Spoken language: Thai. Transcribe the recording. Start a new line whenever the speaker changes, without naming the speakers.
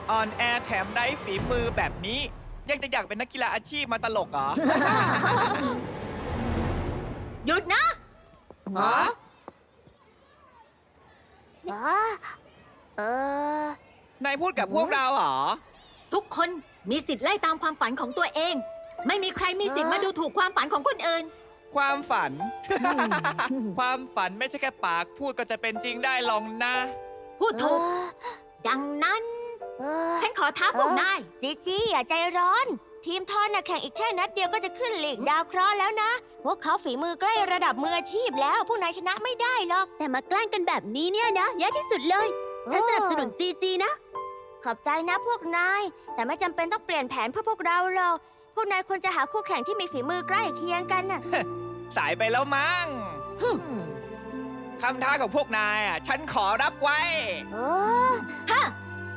อ่อนแอแถมไร้ฝีมือแบบนี้ ยังจะอยากเป็นนักกีฬาอาชีพมาตลกเหรอ
หยุดนะ
ฮะเออ
นายพูดกับพวกเราเหรอ
ทุกคนมีสิทธิ์ไล่ตามความฝันของตัวเอง ไม่มีใครมีสิทธิ์มาดูถูกความฝันของคนอื่น
ความฝัน ความฝันไม่ใช่แค่ปากพูดก็จะเป็นจริงได้หรอกนะ
พูดถูก ดังนั้น ฉันขอท้าพวกนาย
จีจี้อย่าใจร้อน ทีมทอนน่ะแข่งอีกแค่นัดเดียวก็จะขึ้นลีกดาวเคราะห์แล้วนะ พวกเขาฝีมือใกล้ระดับมืออาชีพแล้วพวกนายชนะไม่ได้หรอก
แต่มาแกล้งกันแบบนี้เนี่ยนะแย่ที่สุดเลย ฉันสนับสนุนจีจีนะ
ขอบใจนะพวกนาย แต่ไม่จำเป็นต้องเปลี่ยนแผนเพื่อพวกเราหรอก พวกนายควรจะหาคู่แข่งที่มีฝีมือใกล้เคียงกันน่ะ
สายไปแล้วมั้งคำท้าของพวกนายอ่ะ ฉันขอรับไว้
โอ้
ฮะ